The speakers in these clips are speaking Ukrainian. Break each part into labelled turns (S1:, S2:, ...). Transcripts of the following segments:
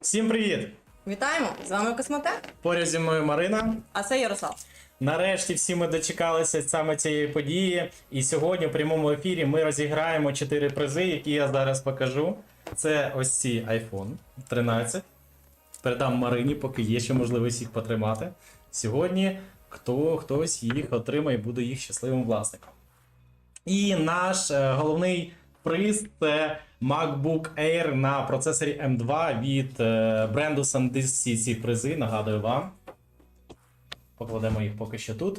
S1: Всім привіт!
S2: Вітаємо! З вами Космотек,
S1: Поряд зі мною Марина.
S2: а це Ярослав.
S1: Нарешті всі ми дочекалися саме цієї події. І сьогодні в прямому ефірі ми розіграємо 4 призи, які я зараз покажу. Це ось ці iPhone 13. Передам Марині, поки є ще можливість їх потримати. Сьогодні хтось їх отримає і буде їх щасливим власником. І наш головний приз – це MacBook Air на процесорі M2 від бренду SanDisk. Всі ці призи, нагадую вам. Покладемо їх поки що тут.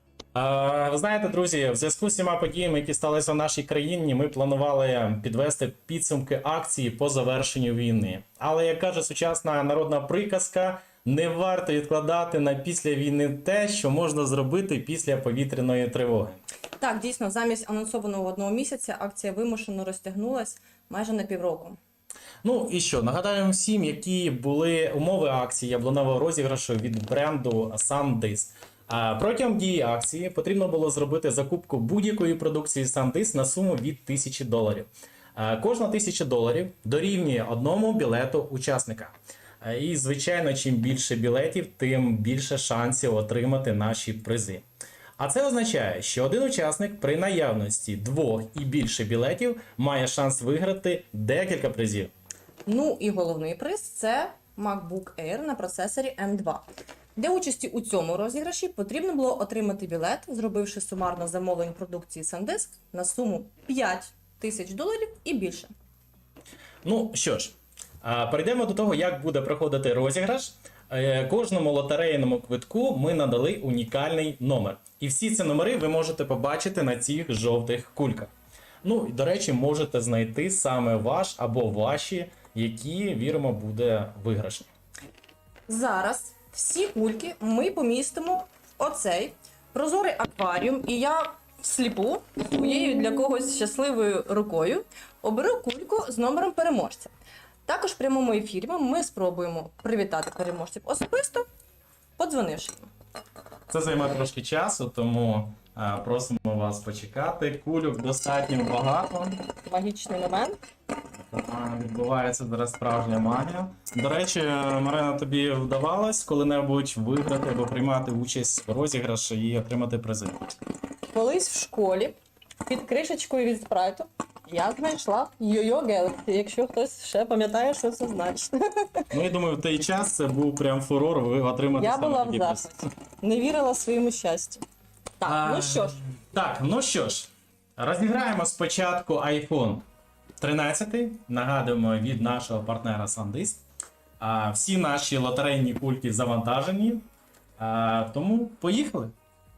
S1: Ви знаєте, друзі, в зв'язку з всіма подіями, які сталися в нашій країні, ми планували підвести підсумки акції по завершенню війни. Але, як каже сучасна народна приказка, не варто відкладати на після війни те, що можна зробити після повітряної тривоги.
S2: Так, дійсно, замість анонсованого 1 місяця акція вимушено розтягнулась майже на півроку.
S1: Ну і що, нагадаємо всім, які були умови акції яблуневого розіграшу від бренду SanDisk. Протягом дії акції потрібно було зробити закупку будь-якої продукції SanDisk на суму від $1000. Кожна $1000 дорівнює одному білету учасника. І, звичайно, чим більше білетів, тим більше шансів отримати наші призи. А це означає, що один учасник при наявності 2 і більше білетів має шанс виграти декілька призів.
S2: Ну і головний приз – це MacBook Air на процесорі M2. Для участі у цьому розіграші потрібно було отримати білет, зробивши сумарно замовлень продукції SanDisk на суму $5000 і більше.
S1: Ну що ж, перейдемо до того, як буде проходити розіграш. Кожному лотерейному квитку ми надали унікальний номер. І всі ці номери ви можете побачити на цих жовтих кульках. Ну, і, до речі, можете знайти саме ваш або ваші, які, віримо, буде виграшні.
S2: Зараз всі кульки ми помістимо в оцей прозорий акваріум, і я всліпу своєю для когось щасливою рукою оберу кульку з номером переможця. Також в прямому ефірі ми спробуємо привітати переможців особисто, подзвонивши їм.
S1: Це займе трошки часу, тому просимо вас почекати. Кульок достатньо багато.
S2: Магічний момент.
S1: Відбувається зараз справжня магія. До речі, Марина, тобі вдавалось коли-небудь виграти або приймати участь в розіграші і отримати призи?
S2: Колись в школі під кришечкою від спрайту я знайшла Йо-Йо Galaxy, якщо хтось ще пам'ятає, що це значить.
S1: Ну, я думаю, в той час це був прям фурор, ви отримати
S2: Я
S1: саме
S2: була в
S1: такі призи.
S2: захваті. Не вірила своєму щастю. Так, ну що ж.
S1: Так, ну що ж, розіграємо спочатку iPhone 13, нагадуємо, від нашого партнера SanDisk. Всі наші лотерейні кульки завантажені, тому поїхали.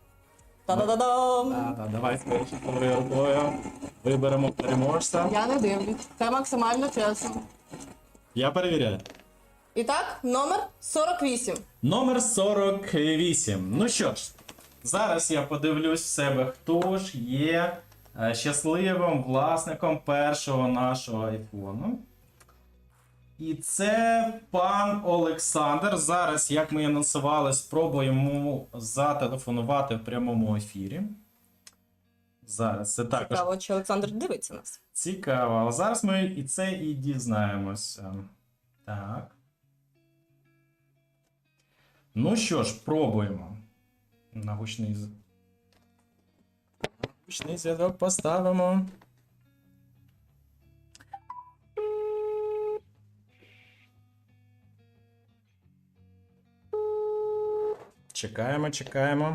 S2: Та-да-да-дам!
S1: Давай скоріше рукою. Виберемо переможця.
S2: Я не дивлюсь. Це максимально чесно.
S1: Я перевіряю.
S2: І так, номер 48.
S1: Номер 48. Ну що ж, зараз я подивлюсь в себе, хто ж є щасливим власником першого нашого айфону. І це пан Олександр. Зараз, як ми анонсували, спробуємо йому зателефонувати в прямому ефірі. Зараз це також
S2: Цікаво, чи Олександр дивиться нас.
S1: цікаво. А зараз ми і це і дізнаємося. Так. Ну що ж, пробуємо. На гучний зв'язок поставимо. Чекаємо, чекаємо.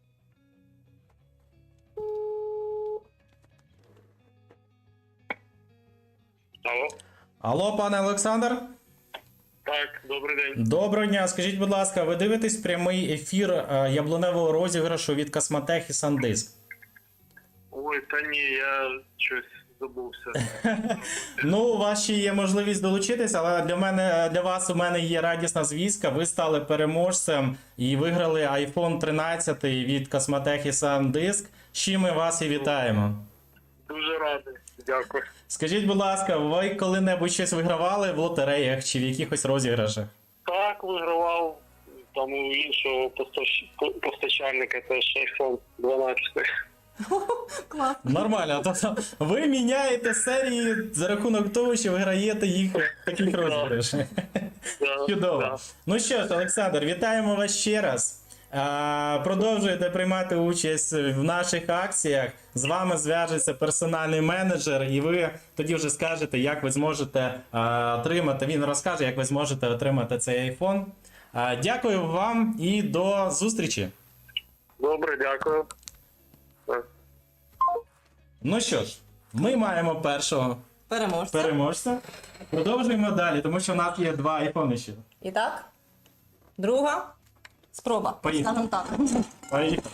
S3: Алло.
S1: Алло, пане Олександр?
S3: Так, добрий день.
S1: Доброго дня. Скажіть, будь ласка, ви дивитесь прямий ефір яблуневого розіграшу від Космотех і SanDisk?
S3: Ой, та ні, я щось забувся.
S1: Ну, у вас ще є можливість долучитись, але для вас у мене є радісна звістка. Ви стали переможцем і виграли iPhone 13 від Космотех і SanDisk. З чим ми вас і вітаємо.
S3: Дуже радий. Дякую.
S1: Скажіть, будь ласка, ви коли-небудь щось вигравали в лотереях чи в якихось розіграшах?
S3: Так, вигравав там у іншого постачальника теж iPhone 12.
S2: Клас.
S1: Нормально, тобто ви міняєте серії за рахунок того, що виграєте їх в таких розіграшах.
S3: Да,
S1: Чудово.
S3: да.
S1: Ну що ж, Олександр, вітаємо вас ще раз. Продовжуєте приймати участь в наших акціях. З вами зв'яжеться персональний менеджер, і ви тоді вже скажете, як ви зможете отримати. Він розкаже, як ви зможете отримати цей iPhone. Дякую вам і до зустрічі.
S3: Добре, дякую. Так.
S1: Ну що ж, ми маємо першого
S2: Переможця.
S1: переможця. Продовжуємо далі, тому що в нас є 2 айфони ще.
S2: І так, друга спроба.
S1: Поїхали.
S2: Скажем так.
S1: Поїхали.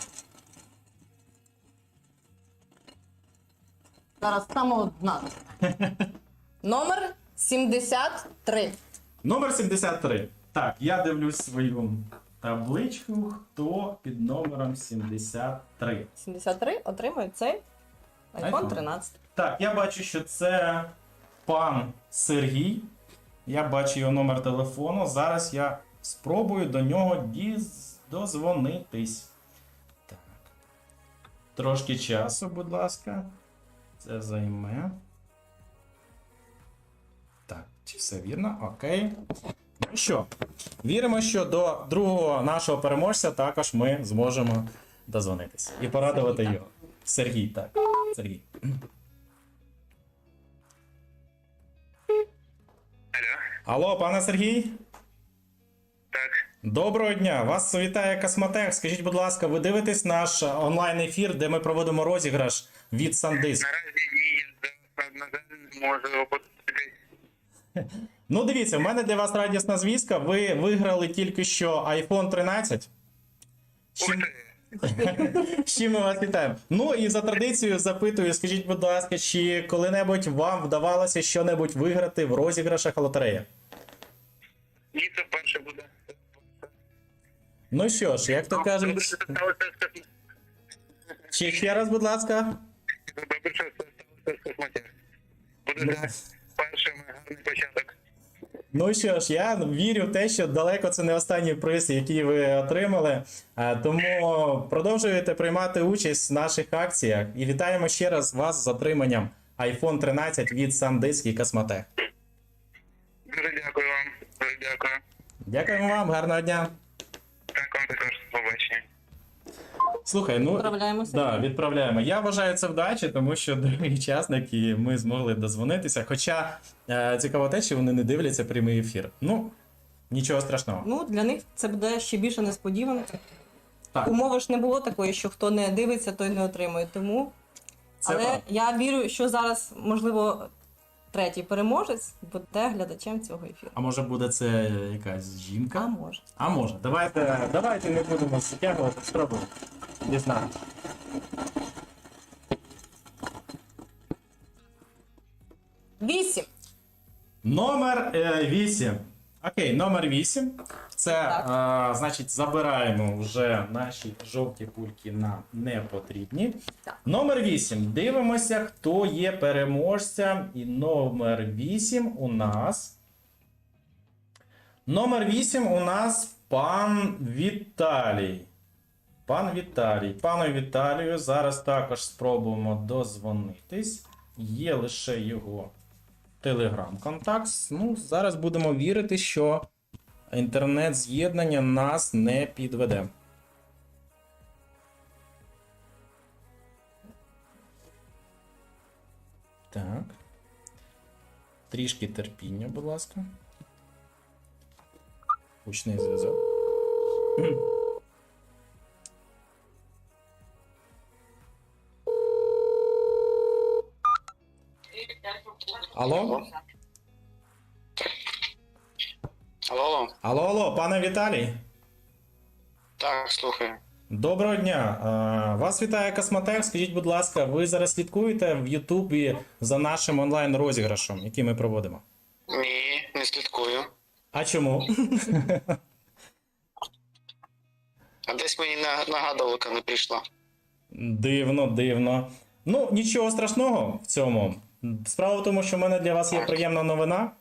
S2: Зараз саме одна. Номер 73.
S1: Номер 73. Так, я дивлюсь свою табличку, хто під номером 73.
S2: 73 отримує цей iPhone
S1: iPhone.
S2: 13.
S1: Так, я бачу, що це пан Сергій. Я бачу його номер телефону. Зараз я спробую до нього дозвонитись. Так. Трошки часу, будь ласка. Це займе. Так, чи все вірно? Окей. Ну що, віримо, що до другого нашого переможця також ми зможемо дозвонитися і порадувати його. Сергій, так. Сергій.
S3: Алло.
S1: Алло, пане Сергій?
S3: Так.
S1: Доброго дня! Вас вітає Космотех. Скажіть, будь ласка, ви дивитесь наш онлайн-ефір, де ми проводимо розіграш від SanDisk?
S3: Наразі ні, я на жаль, не можу подивитись.
S1: Ну, дивіться, в мене для вас радісна звістка. Ви виграли тільки що iPhone 13. З
S3: Ух
S1: чим-
S3: ти.
S1: З чим ми вас вітаємо. Ну і за традицією запитую, скажіть, будь ласка, чи коли-небудь вам вдавалося що-небудь виграти в розіграшах лотереї?
S3: Ні, це вперше буде.
S1: Ну що ж, як то
S3: Добре,
S1: кажуть,
S3: що це сталося з космотехом.
S1: чи ще раз, будь ласка.
S3: Добре, що це сталося з космотехом. Буде перший гарний початок.
S1: Ну що ж, я вірю в те, що далеко це не останній приз, який ви отримали. Тому продовжуєте приймати участь в наших акціях. І вітаємо ще раз вас з отриманням iPhone 13 від SanDisk і Космотех.
S3: Дуже дякую вам. Дуже дякую.
S1: Дякуємо вам, гарного дня.
S3: Так, вам також побачення.
S1: Слухай, ну
S2: Відправляємося.
S1: да, відправляємо. Я вважаю це вдачі, тому що другий учасник і ми змогли дозвонитися. Хоча цікаво те, що вони не дивляться прямий ефір. Ну, нічого страшного.
S2: Ну, для них це буде ще більше несподіванка.
S1: Так.
S2: Умови ж не було такої, що хто не дивиться, той не отримує. Тому.
S1: Це
S2: Але
S1: правда.
S2: я вірю, що зараз, можливо, третій переможець буде глядачем цього ефіру.
S1: А може буде це якась
S2: А
S1: жінка?
S2: може.
S1: А може. Давайте не будемо затягувати, спробуємо. Не знаю.
S2: Вісім.
S1: Номер 8. Окей, номер 8. Це,
S2: Так.
S1: значить, забираємо вже наші жовті кульки на непотрібні.
S2: Так.
S1: Номер 8. Дивимося, хто є переможцем. І номер 8 у нас. Номер 8 у нас пан Віталій. Пан Віталій. Пану Віталію зараз також спробуємо дозвонитись. Є лише його телеграм-контакт. Ну, зараз будемо вірити, що інтернет-з'єднання нас не підведе. Так. Трішки терпіння, будь ласка. Гучний зв'язок. Алло?
S3: Алло.
S1: Алло, пане Віталій.
S3: Так, слухаю.
S1: Доброго дня. Вас вітає Космотех. Скажіть, будь ласка, ви зараз слідкуєте в Ютубі за нашим онлайн-розіграшем, який ми проводимо?
S3: Ні, не слідкую.
S1: А чому?
S3: А десь мені нагадувалка не прийшла.
S1: Дивно, дивно. Ну, нічого страшного в цьому. Справа в тому, що в мене для вас є приємна новина.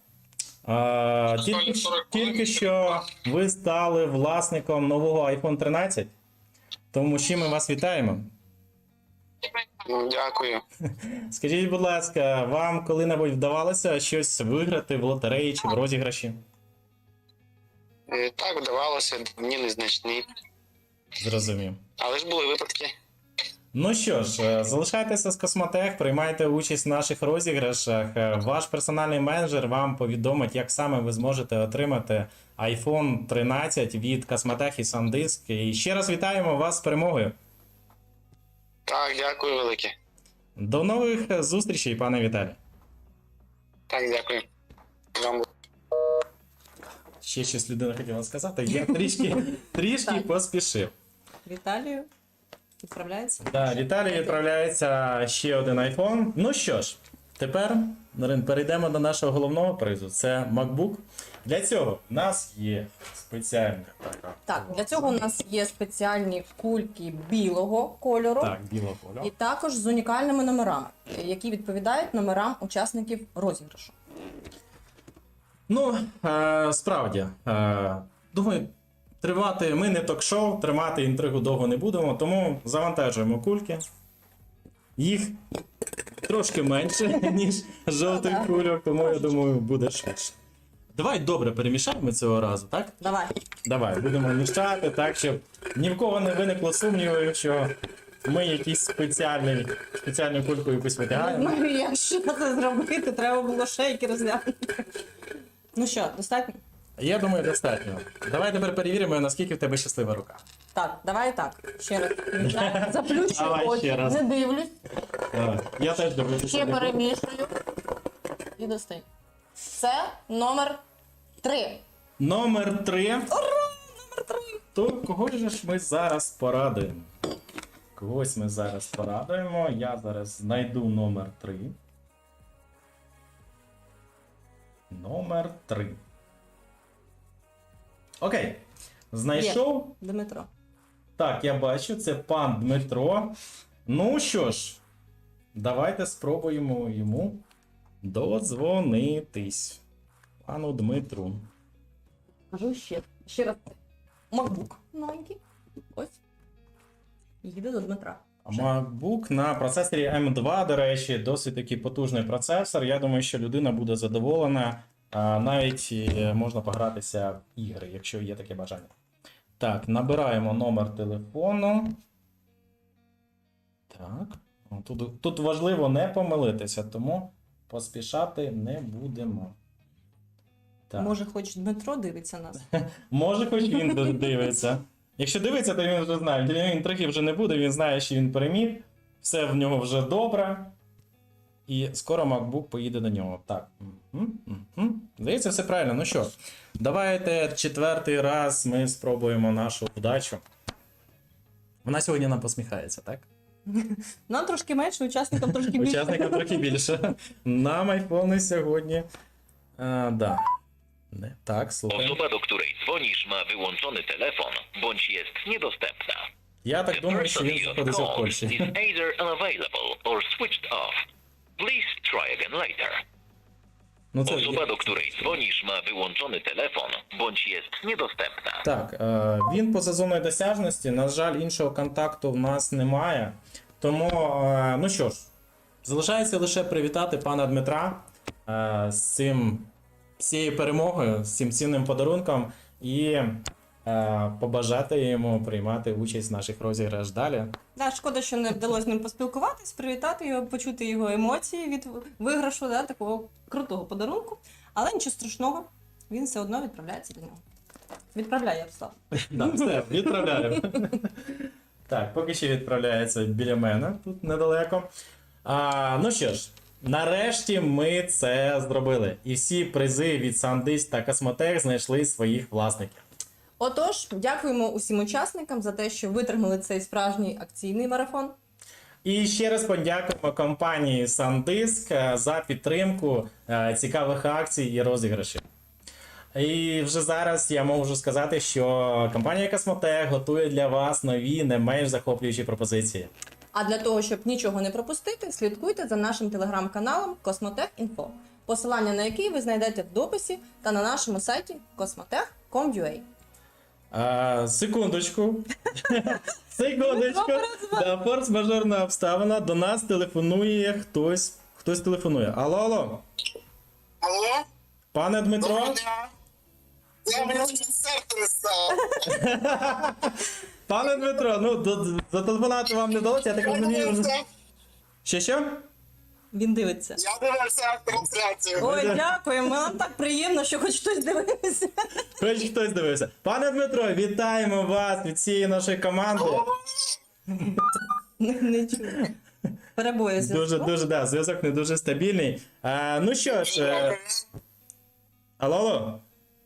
S1: Тільки що ви стали власником нового iPhone 13. Тому з чим ми вас вітаємо.
S3: Дякую.
S1: Скажіть, будь ласка, вам коли-небудь вдавалося щось виграти в лотереї чи в розіграші?
S3: Так, вдавалося, мені незначні.
S1: Зрозумів.
S3: Але ж були випадки.
S1: Ну що ж, залишайтеся з Космотех, приймайте участь в наших розіграшах. Ваш персональний менеджер вам повідомить, як саме ви зможете отримати iPhone 13 від Космотех і SanDisk. І ще раз вітаємо вас з перемогою.
S3: Так, дякую велике.
S1: До нових зустрічей, пане Віталій.
S3: Так, дякую. Вам
S1: Ще щось людина хотіла сказати, я трішки
S2: Так.
S1: поспішив.
S2: Віталію відправляється.
S1: Да, Віталій відправляється ще один iPhone. Ну що ж, тепер, Нарин, перейдемо до нашого головного призу. Це MacBook. Для цього в нас є спеціальна така.
S2: Так, для цього у нас є спеціальні кульки білого кольору.
S1: Так, біла поля.
S2: І також з унікальними номерами, які відповідають номерам учасників розіграшу.
S1: Ну, справді, думаю, тривати, ми не ток-шоу, тримати інтригу довго не будемо, тому завантажуємо кульки. Їх трошки менше, ніж жовтих кульок, тому я думаю, буде швидше. Давай добре перемішаємо цього разу, так?
S2: Давай.
S1: Давай, будемо мішати так, щоб ні в кого не виникло сумнівів, що ми якісь спеціальну кульку якусь витягаємо.
S2: Ну, якщо це зробити, треба було шейки розглянути. Ну що, достатньо?
S1: Я думаю, достатньо. Давай тепер перевіримо, наскільки в тебе щаслива рука.
S2: Так, давай так. Ще раз. Заплющую
S1: Давай ще
S2: очі,
S1: раз.
S2: не дивлюсь.
S1: Давай. Я теж дивлюся.
S2: Ще перемішую. І достаю. Це номер 3.
S1: Номер 3.
S2: Ура! Номер 3!
S1: То кого ж ми зараз порадуємо? Когось ми зараз порадуємо. Я зараз знайду номер 3. Номер 3. Окей. Знайшов.
S2: Дмитро.
S1: Так, я бачу, це пан Дмитро. Ну що ж, давайте спробуємо йому додзвонитись. Пану Дмитру.
S2: Кажу ще раз. MacBook новенький. Ось. Їде до Дмитра.
S1: MacBook на процесорі M2, до речі, досить такий потужний процесор. Я думаю, що людина буде задоволена. Навіть можна погратися в ігри, якщо є таке бажання. Так, набираємо номер телефону. Так. Тут важливо не помилитися, тому поспішати не будемо. Так.
S2: Може, хоч Дмитро дивиться нас.
S1: Може, хоч він дивиться. Якщо дивиться, то він вже знає. Для нього інтриги вже не буде, він знає, що він переміг. Все в нього вже добре. І скоро MacBook поїде до нього. Так. Здається, все правильно. Ну що, давайте 4-й раз ми спробуємо нашу вдачу. Вона сьогодні нам посміхається, так?
S2: Нам трошки менше, учасникам трошки більше.
S1: Учасникам трохи більше. Нам айфони сьогодні. Да. Не, tak, słuchaj.
S4: Osoba, do której dzwonisz, ma wyłączony telefon bądź jest niedostępna.
S1: Ja tak
S4: The
S1: думаю, що
S4: person
S1: він
S4: you have
S1: знаходиться в
S4: called
S1: Польщі.
S4: is either unavailable or switched off. Please try again later.
S1: Ну, це...
S4: Osoba, do której dzwonisz, ma wyłączony telefon bądź jest niedostępna.
S1: Так, він поза зоною досяжності. На жаль, іншого контакту в нас немає. Тому, ну що ж, залишається лише привітати пана Дмитра з цією перемогою, з цим цінним подарунком і побажати йому приймати участь в наших розіграшах далі.
S2: Да, шкода, що не вдалося з ним поспілкуватись, привітати його, почути його емоції від виграшу, да, такого крутого подарунку. Але нічого страшного, він все одно відправляється до нього. Відправляй, Ярослав.
S1: Так, все, відправляємо. Так, поки що відправляється біля мене, тут недалеко. Ну що ж, нарешті ми це зробили. І всі призи від SanDisk та Космотех знайшли своїх власників.
S2: Отож, дякуємо усім учасникам за те, що витримали цей справжній акційний марафон.
S1: І ще раз подякуємо компанії SanDisk за підтримку цікавих акцій і розіграшів. І вже зараз я можу сказати, що компанія Космотех готує для вас нові, не менш захоплюючі пропозиції.
S2: А для того, щоб нічого не пропустити, слідкуйте за нашим телеграм-каналом Космотех.Інфо, посилання на який ви знайдете в дописі та на нашому сайті kosmotech.com.ua.
S1: Секундочку. Секундочку. Да, форс-мажорна обставина. До нас телефонує хтось. Хтось телефонує. Алло, алло.
S3: Алло?
S1: Пане Дмитро?
S3: Доброго дня. Я мені сектор став.
S1: Пане Дмитро, ну зателефонувати вам не вдалося, я так розумію. Що?
S2: Він дивиться.
S3: Я дивився трансляцію.
S2: Ой, дякуємо. Нам так приємно, що хоч хтось дивився.
S1: Хоч хтось дивився. Пане Дмитро, вітаємо вас від всієї нашої команди.
S2: Не чую. Перебої зв'язку.
S1: Да, зв'язок не дуже стабільний. Ну що ж, алло.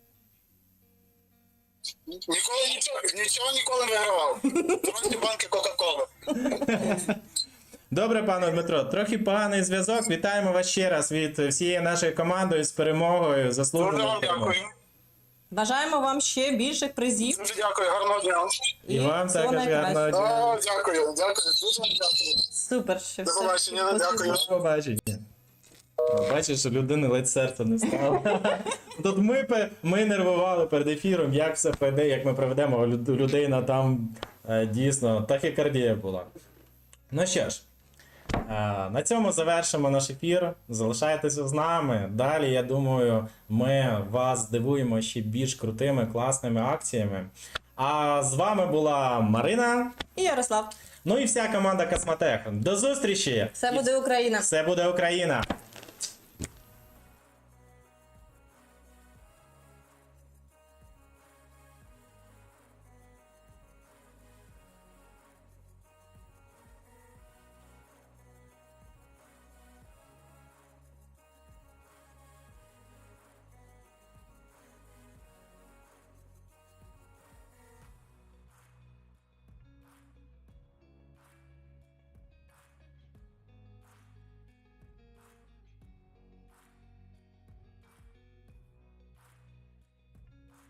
S3: Нічого ніколи не вигравав. Трохи банки Кока-Коли.
S1: Добре, пане Дмитро, трохи поганий зв'язок. Вітаємо вас ще раз від всієї нашої команди з перемогою,
S3: Дуже
S1: заслуженою
S3: вам
S1: перемогою.
S3: дякую.
S2: Бажаємо вам ще більших призів.
S3: Дуже дякую, гарного дня.
S1: І вам
S2: всього
S1: також
S2: найкращого.
S1: гарного дня.
S3: Дякую, дуже вам дякую.
S2: Супер, що
S3: До
S2: все.
S3: побачення, дякую.
S1: До побачення. Бачиш, що людини ледь серце не стало. Тут ми нервували перед ефіром, як все пройде, як ми проведемо, а людина там дійсно тахікардія була. Ну що ж, на цьому завершимо наш ефір. Залишайтеся з нами. Далі, я думаю, ми вас здивуємо ще більш крутими, класними акціями. А з вами була Марина,
S2: І Ярослав.
S1: ну і вся команда Космотех. До зустрічі!
S2: Все буде Україна.
S1: Все буде Україна!